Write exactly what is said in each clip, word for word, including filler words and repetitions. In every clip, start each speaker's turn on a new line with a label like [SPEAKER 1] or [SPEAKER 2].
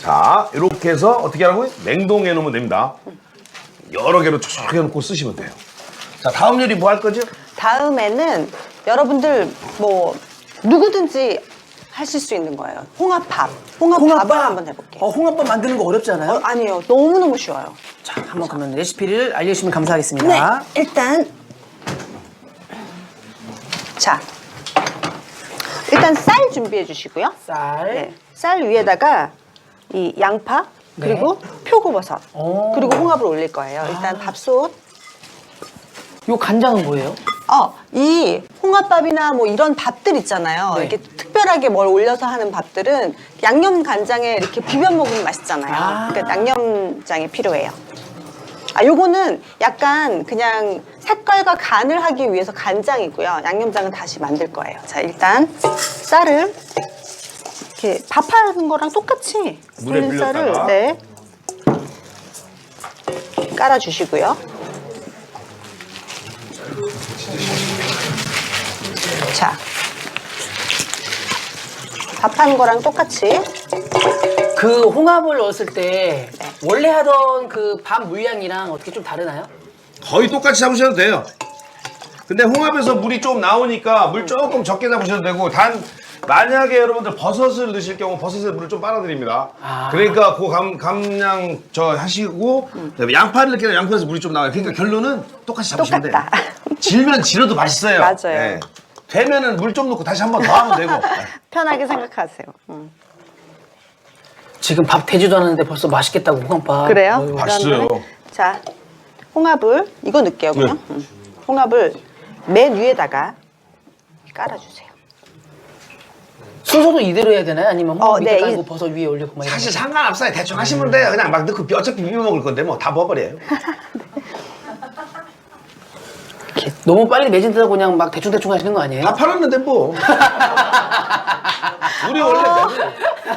[SPEAKER 1] 자, 이렇게 해서 어떻게 하라고요? 냉동해 놓으면 됩니다. 여러 개로 촉촉 해놓고 쓰시면 돼요. 자, 다음 요리 뭐 할 거죠?
[SPEAKER 2] 다음에는 여러분들 뭐 누구든지 하실 수 있는 거예요. 홍합밥. 홍합밥을
[SPEAKER 3] 홍합밥
[SPEAKER 2] 한번 해볼게요.
[SPEAKER 3] 어, 홍합밥 만드는 거 어렵지 않아요?
[SPEAKER 2] 어, 아니에요. 너무너무 쉬워요.
[SPEAKER 3] 자, 한번 그러면 레시피를 알려주시면 감사하겠습니다.
[SPEAKER 2] 네, 일단 자, 일단 쌀 준비해 주시고요.
[SPEAKER 3] 쌀.
[SPEAKER 2] 네, 쌀 위에다가 이 양파 그리고
[SPEAKER 3] 네.
[SPEAKER 2] 표고버섯
[SPEAKER 3] 오.
[SPEAKER 2] 그리고 홍합을 올릴 거예요. 일단 밥솥.
[SPEAKER 3] 요 간장은 뭐예요?
[SPEAKER 2] 어, 이 홍합밥이나 뭐 이런 밥들 있잖아요.
[SPEAKER 3] 네.
[SPEAKER 2] 이렇게 특별하게 뭘 올려서 하는 밥들은 양념 간장에 이렇게 비벼 먹으면 맛있잖아요.
[SPEAKER 3] 아.
[SPEAKER 2] 그러니까 양념장이 필요해요. 아, 요거는 약간 그냥 색깔과 간을 하기 위해서 간장이고요. 양념장은 다시 만들 거예요. 자, 일단 쌀을 이렇게 밥하는 거랑 똑같이
[SPEAKER 1] 물에
[SPEAKER 2] 불린 쌀을
[SPEAKER 1] 불렸다가.
[SPEAKER 2] 네, 깔아주시고요. 자, 밥하는 거랑 똑같이
[SPEAKER 3] 그 홍합을 넣었을 때 원래 하던 그 밥 물량이랑 어떻게 좀 다르나요?
[SPEAKER 1] 거의 똑같이 잡으셔도 돼요. 근데 홍합에서 물이 좀 나오니까 물 조금 적게 잡으셔도 되고, 단 만약에 여러분들 버섯을 넣으실 경우 버섯에 물을 좀 빨아드립니다.
[SPEAKER 3] 아.
[SPEAKER 1] 그러니까 그 감, 감량 저 하시고 양파를 넣게 되면 양파에서 물이 좀 나와요. 그러니까 결론은 똑같이 잡으시면 돼요.
[SPEAKER 2] 똑같다.
[SPEAKER 1] 질면 질어도 맛있어요.
[SPEAKER 2] 맞아요.
[SPEAKER 1] 네. 되면은 물 좀 넣고 다시 한 번 더 하면 되고.
[SPEAKER 2] 편하게 생각하세요. 음.
[SPEAKER 3] 지금 밥 되지도 않았는데 벌써 맛있겠다고 홍합밥.
[SPEAKER 2] 그래요?
[SPEAKER 3] 어휴.
[SPEAKER 1] 맛있어요.
[SPEAKER 2] 그러면은 자, 홍합을 이거 넣을게요 그냥. 음. 홍합을 맨 위에다가 깔아주세요.
[SPEAKER 3] 순서도 이대로 해야 되나요? 아니면 홍합
[SPEAKER 2] 어,
[SPEAKER 3] 밑에
[SPEAKER 2] 네,
[SPEAKER 3] 깔고
[SPEAKER 2] 이-
[SPEAKER 3] 버섯 위에 올리고 막 이런
[SPEAKER 1] 사실 상관없어요. 대충 하시면 돼요. 그냥 막 넣고 어차피 비벼 먹을 건데 뭐 다 부어버려요.
[SPEAKER 3] 이렇게 너무 빨리 매진되다 그냥 막 대충대충 하시는 거 아니에요?
[SPEAKER 1] 다 팔았는데 뭐. 우리 원래 맨날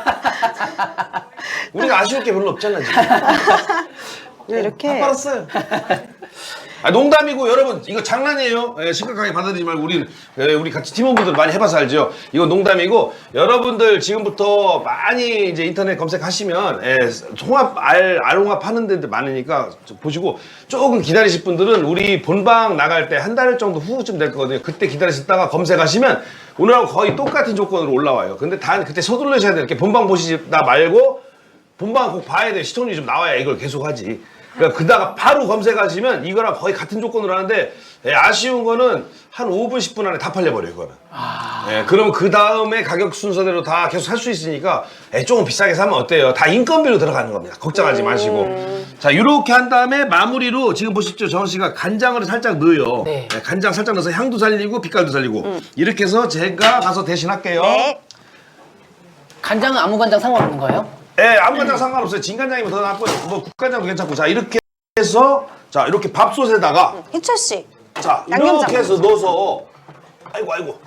[SPEAKER 1] 우리가 아쉬울 게 별로 없잖아 지금.
[SPEAKER 2] 이렇게
[SPEAKER 1] 다 팔았어요. 아, 농담이고 여러분 이거 장난이에요. 예, 심각하게 받아들이지 말고 우리 예, 우리 같이 팀원분들 많이 해봐서 알죠. 이거 농담이고 여러분들 지금부터 많이 이제 인터넷 검색하시면 예, 홍합 알 알홍합 하는 데들 많으니까 보시고 조금 기다리실 분들은 우리 본방 나갈 때 한 달 정도 후쯤 될 거거든요. 그때 기다리셨다가 검색하시면 오늘하고 거의 똑같은 조건으로 올라와요. 근데 단 그때 서둘러셔야 돼요. 이렇게 본방 보시다 말고 본방 꼭 봐야 돼요. 시청률이 좀 나와야 이걸 계속 하지. 그러니까 그다가 바로 검색하시면 이거랑 거의 같은 조건으로 하는데 예, 아쉬운 거는 한 오 분, 십 분 안에 다 팔려버려요, 이거는.
[SPEAKER 3] 아...
[SPEAKER 1] 예, 그럼 그 다음에 가격 순서대로 다 계속 살 수 있으니까 예, 조금 비싸게 사면 어때요? 다 인건비로 들어가는 겁니다. 걱정하지 마시고. 자, 이렇게 한 다음에 마무리로 지금 보십시오. 정원 씨가 간장을 살짝 넣어요.
[SPEAKER 3] 네.
[SPEAKER 1] 예, 간장 살짝 넣어서 향도 살리고 빛깔도 살리고. 이렇게 해서 제가 가서 대신할게요.
[SPEAKER 2] 네.
[SPEAKER 3] 간장은 아무 간장 상관없는 거예요?
[SPEAKER 1] 예, 아무 간장 상관없어요. 진간장이면 더 낫고, 뭐 국간장도 괜찮고. 자, 이렇게 해서, 자, 이렇게 밥솥에다가,
[SPEAKER 2] 희철 씨.
[SPEAKER 1] 자,
[SPEAKER 2] 양념장
[SPEAKER 1] 이렇게 해서 넣어서, 아이고, 아이고.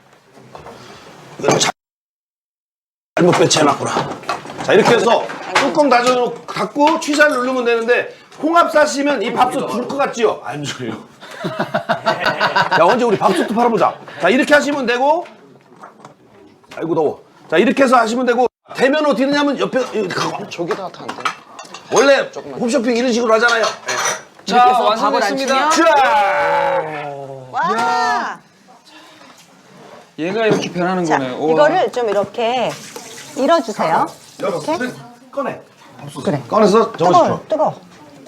[SPEAKER 1] 이거 자- 잘못 배치해놨구나. 자, 이렇게 해서 뚜껑 닫아놓고, 닫고 취사를 누르면 되는데, 홍합 싸시면 이 밥솥 줄 것 같지요? 안 줘요. 야, 언제 우리 밥솥도 팔아보자. 자, 이렇게 하시면 되고, 아이고, 더워. 자, 이렇게 해서 하시면 되고, 되면 어떻게 되냐면 옆에,
[SPEAKER 4] 저기다 타는데?
[SPEAKER 1] 원래 홈쇼핑 이런 식으로 하잖아요.
[SPEAKER 3] 자, 완성됐습니다.
[SPEAKER 1] 자,
[SPEAKER 2] 와.
[SPEAKER 4] 얘가 이렇게 변하는
[SPEAKER 2] 자,
[SPEAKER 4] 거네. 우와.
[SPEAKER 2] 이거를 좀 이렇게 밀어주세요.
[SPEAKER 1] 이렇게
[SPEAKER 2] 이렇게.
[SPEAKER 1] 꺼내.
[SPEAKER 2] 그래.
[SPEAKER 1] 꺼내서
[SPEAKER 2] 뜨거워,
[SPEAKER 1] 적어주죠.
[SPEAKER 2] 뜨거워.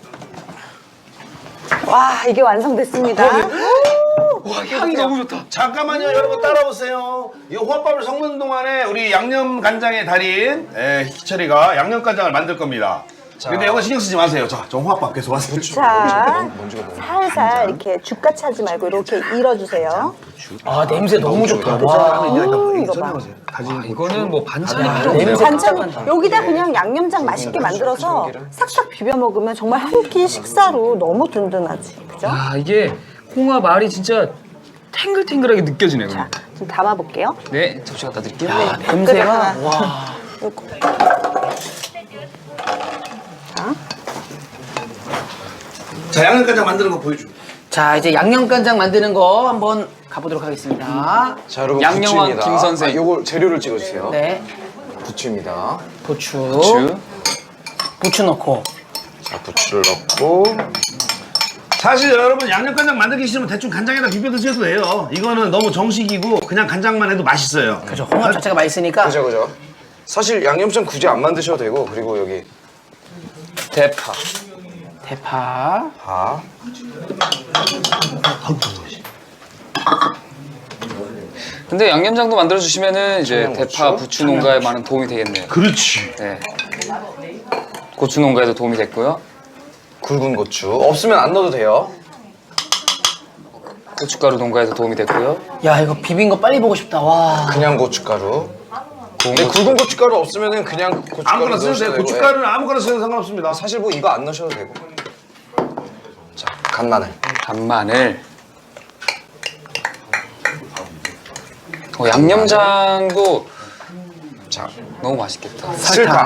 [SPEAKER 2] 와, 이게 완성됐습니다.
[SPEAKER 4] 와, 향이 너무 좋다.
[SPEAKER 1] 잠깐만요, 여러분 따라오세요. 이 홍합밥을 섞는 동안에 우리 양념 간장의 달인 에, 희철이가 양념 간장을 만들 겁니다. 근데 이거 신경 쓰지 마세요. 자, 저 홍합밥 계속 하세요.
[SPEAKER 2] 자, 살살 이렇게 죽같이 하지 말고 이렇게 밀어주세요.
[SPEAKER 3] 아 냄새 너무 좋다.
[SPEAKER 1] 와,
[SPEAKER 3] 와.
[SPEAKER 2] 이거 봐.
[SPEAKER 1] 다진
[SPEAKER 4] 이거는 뭐 반찬이 필요
[SPEAKER 3] 냄새
[SPEAKER 4] 없네요.
[SPEAKER 2] 반찬
[SPEAKER 3] 깜짝깜짝.
[SPEAKER 2] 여기다 그냥 양념장 맛있게 만들어서 싹싹 비벼 먹으면 정말 한 끼 식사로 너무 든든하지, 그죠?
[SPEAKER 4] 아, 이게 홍합 알이 진짜 탱글탱글하게 느껴지네요.
[SPEAKER 2] 자, 좀 담아볼게요.
[SPEAKER 4] 네, 접시 갖다 드릴게요.
[SPEAKER 3] 야,
[SPEAKER 2] 그래,
[SPEAKER 3] 냄새가
[SPEAKER 2] 하나.
[SPEAKER 3] 와.
[SPEAKER 2] 요거. 자,
[SPEAKER 1] 자, 양념 간장 만드는 거 보여줘.
[SPEAKER 3] 자 이제 양념 간장 만드는 거 한번 가보도록 하겠습니다.
[SPEAKER 5] 자 여러분
[SPEAKER 4] 양념왕
[SPEAKER 5] 굿즈입니다.
[SPEAKER 4] 김 선생.
[SPEAKER 5] 아, 요걸 재료를 찍어주세요.
[SPEAKER 3] 네.
[SPEAKER 5] 부추입니다.
[SPEAKER 3] 부추.
[SPEAKER 5] 부추.
[SPEAKER 3] 부추 넣고.
[SPEAKER 5] 자, 부추를 넣고.
[SPEAKER 1] 사실 여러분 양념간장 만들기 싫으면 대충 간장에다 비벼 드셔도 돼요. 이거는 너무 정식이고 그냥 간장만 해도 맛있어요.
[SPEAKER 3] 그죠. 홍합 자체가 맛있으니까.
[SPEAKER 5] 그죠, 그죠. 사실 양념장 굳이 안 만드셔도 되고, 그리고 여기 대파.
[SPEAKER 3] 대파.
[SPEAKER 5] 파.
[SPEAKER 6] 근데 양념장도 만들어 주시면은 이제
[SPEAKER 5] 청양고추.
[SPEAKER 6] 대파 부추 농가에 많은 도움이 되겠네요.
[SPEAKER 1] 그렇지.
[SPEAKER 6] 네. 고추 농가에도 도움이 됐고요.
[SPEAKER 5] 굵은 고추. 없으면 안 넣어도 돼요.
[SPEAKER 6] 고춧가루 농가에도 도움이 됐고요.
[SPEAKER 3] 야, 이거 비빈 거 빨리 보고 싶다. 와.
[SPEAKER 5] 그냥 고춧가루. 근데
[SPEAKER 6] 고추.
[SPEAKER 5] 굵은 고춧가루 없으면은 그냥 고춧가루
[SPEAKER 1] 아무거나 쓰셔도
[SPEAKER 5] 넣으셔도
[SPEAKER 1] 돼요.
[SPEAKER 5] 되고,
[SPEAKER 1] 고춧가루는 아무거나 쓰셔도 상관없습니다.
[SPEAKER 5] 예. 사실 뭐 이거 안 넣으셔도 되고. 자, 간마늘.
[SPEAKER 6] 간마늘. 어, 양념장도
[SPEAKER 5] 자,
[SPEAKER 6] 너무 맛있겠다.
[SPEAKER 5] 설탕.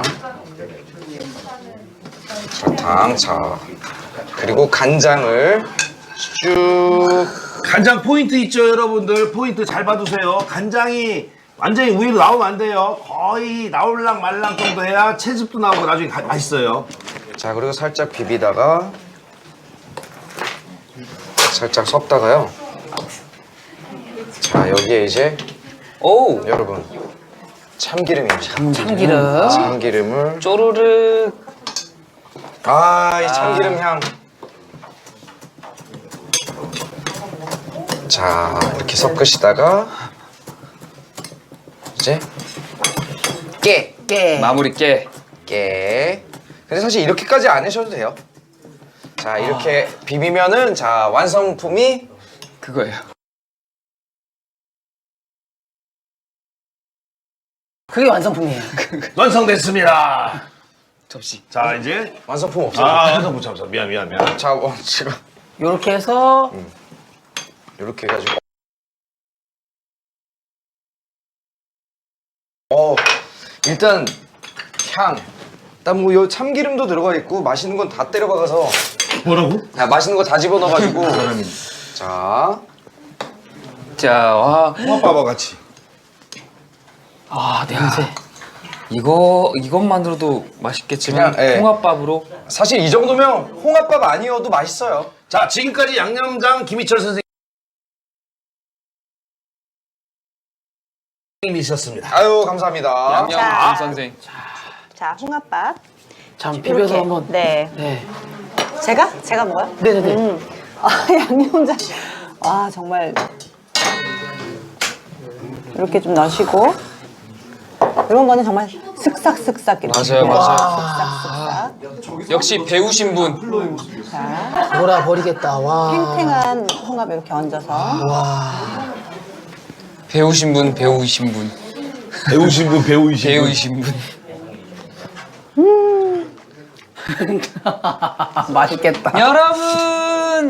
[SPEAKER 5] 설탕. 자, 그리고 간장을 쭉.
[SPEAKER 1] 간장 포인트 있죠, 여러분들. 포인트 잘 봐두세요. 간장이 완전히 우유로 나오면 안 돼요. 거의 나올랑 말랑 정도 해야 채즙도 나오고 나중에 가- 맛있어요.
[SPEAKER 5] 자, 그리고 살짝 비비다가 살짝 섞다가요. 자, 여기에 이제
[SPEAKER 6] 오!
[SPEAKER 5] 여러분 참기름입니다.
[SPEAKER 3] 참기름.
[SPEAKER 5] 참기름을.
[SPEAKER 6] 쪼르르.
[SPEAKER 5] 아, 이 참기름 향. 자, 이렇게 섞으시다가 이제 깨.
[SPEAKER 3] 깨.
[SPEAKER 6] 마무리 깨.
[SPEAKER 5] 깨. 근데 사실 이렇게까지 안 하셔도 돼요. 자, 이렇게 비비면은 자, 완성품이
[SPEAKER 6] 그거예요.
[SPEAKER 3] 그게 완성품이에요.
[SPEAKER 1] 완성됐습니다.
[SPEAKER 6] 접시.
[SPEAKER 1] 자, 이제.
[SPEAKER 5] 완성품 없어요.
[SPEAKER 1] 아, 완성 못 참았어. 미안, 미안, 미안.
[SPEAKER 5] 자, 어, 지금
[SPEAKER 3] 요렇게 해서
[SPEAKER 5] 이렇게 해가지고. 어, 일단 향. 일단 뭐 요 참기름도 들어가 있고 맛있는 건 다 때려 박아서.
[SPEAKER 1] 뭐라고?
[SPEAKER 5] 야, 맛있는 거 다 집어 넣어가지고. 자,
[SPEAKER 6] 자, 와.
[SPEAKER 1] 홍합밥과 같이.
[SPEAKER 3] 아, 냄새.
[SPEAKER 6] 이거, 이것만으로도 맛있겠지만,
[SPEAKER 5] 그냥, 예.
[SPEAKER 6] 홍합밥으로.
[SPEAKER 5] 사실 이 정도면 홍합밥 아니어도 맛있어요.
[SPEAKER 1] 자, 지금까지 양념장 김희철 선생님이셨습니다.
[SPEAKER 5] 아유, 감사합니다.
[SPEAKER 6] 양념
[SPEAKER 2] 자.
[SPEAKER 6] 김 선생.
[SPEAKER 2] 자, 홍합밥.
[SPEAKER 3] 잠 비벼서
[SPEAKER 2] 이렇게.
[SPEAKER 3] 한번.
[SPEAKER 2] 네.
[SPEAKER 3] 네.
[SPEAKER 2] 제가? 제가 먹어요?
[SPEAKER 3] 네네네.
[SPEAKER 2] 음. 아, 양념장. 와, 정말. 이렇게 좀 넣으시고. 이런 거는 정말 슥싹슥싹. 이렇게.
[SPEAKER 6] 맞아요, 맞아요.
[SPEAKER 2] 슥싹슥싹.
[SPEAKER 6] 역시 배우신 분.
[SPEAKER 2] 자,
[SPEAKER 3] 돌아 버리겠다. 와.
[SPEAKER 2] 탱탱한 홍합 이렇게 얹어서.
[SPEAKER 6] 배우신 분, 배우신 분.
[SPEAKER 1] 배우신 분, 배우이신 분.
[SPEAKER 6] 배우신 분.
[SPEAKER 3] 맛있겠다.
[SPEAKER 6] 여러분!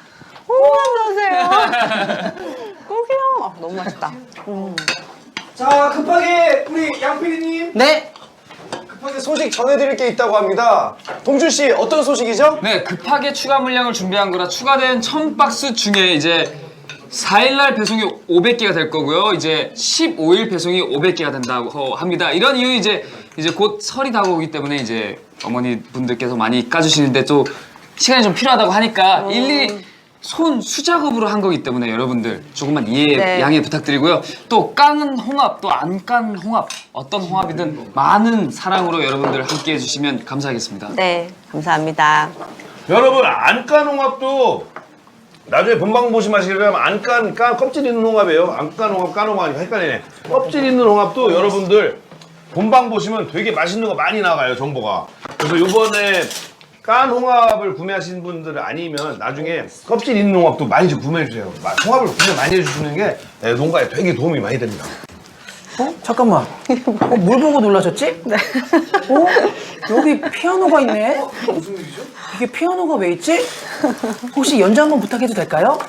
[SPEAKER 2] 안녕하세요. 꼭이요. 아, 너무 맛있다.
[SPEAKER 5] 자, 급하게 우리 양 피디님
[SPEAKER 3] 네.
[SPEAKER 5] 급하게 소식 전해드릴 게 있다고 합니다. 동준 씨, 어떤 소식이죠?
[SPEAKER 6] 네, 급하게 추가 물량을 준비한 거라 추가된 천 박스 중에 이제 사 일날 배송이 오백 개가 될 거고요. 이제 십오 일 배송이 오백 개가 된다고 합니다. 이런 이유 이제 이제 곧 설이 다가오기 때문에 이제 어머니 분들께서 많이 까주시는데 또 시간이 좀 필요하다고 하니까 일일이 손 수작업으로 한 거기 때문에 여러분들 조금만 이해
[SPEAKER 2] 네.
[SPEAKER 6] 양해 부탁드리고요. 또 깡은 홍합, 또 안 깐 홍합, 어떤 홍합이든 많은 사랑으로 여러분들 함께 해주시면 감사하겠습니다.
[SPEAKER 2] 네, 감사합니다.
[SPEAKER 1] 여러분, 안 깐 홍합도 나중에 본방 보시면 아시겠지만 안 깐, 깐 껍질 있는 홍합이에요. 안 깐 홍합, 깐 홍합이니까 헷갈리네. 껍질 있는 홍합도 여러분들 본방 보시면 되게 맛있는 거 많이 나가요, 정보가. 그래서 요번에 깐 홍합을 구매하신 분들 아니면 나중에 껍질 있는 홍합도 많이 좀 구매해주세요. 마- 홍합을 구매 많이 해주시는 게 네, 농가에 되게 도움이 많이 됩니다.
[SPEAKER 3] 어? 잠깐만. 어, 뭘 보고 놀라셨지? 네. 어? 여기 피아노가 있네? 무슨 일이죠? 이게 피아노가 왜 있지? 혹시 연주 한번 부탁해도 될까요?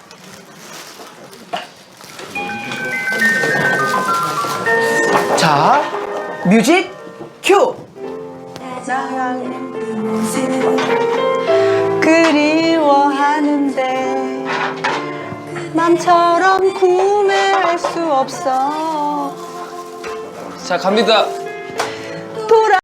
[SPEAKER 3] 자, 뮤직 큐!
[SPEAKER 2] 그리워하는데 맘처럼 구매할 수 없어.
[SPEAKER 6] 자, 갑니다.
[SPEAKER 2] 돌아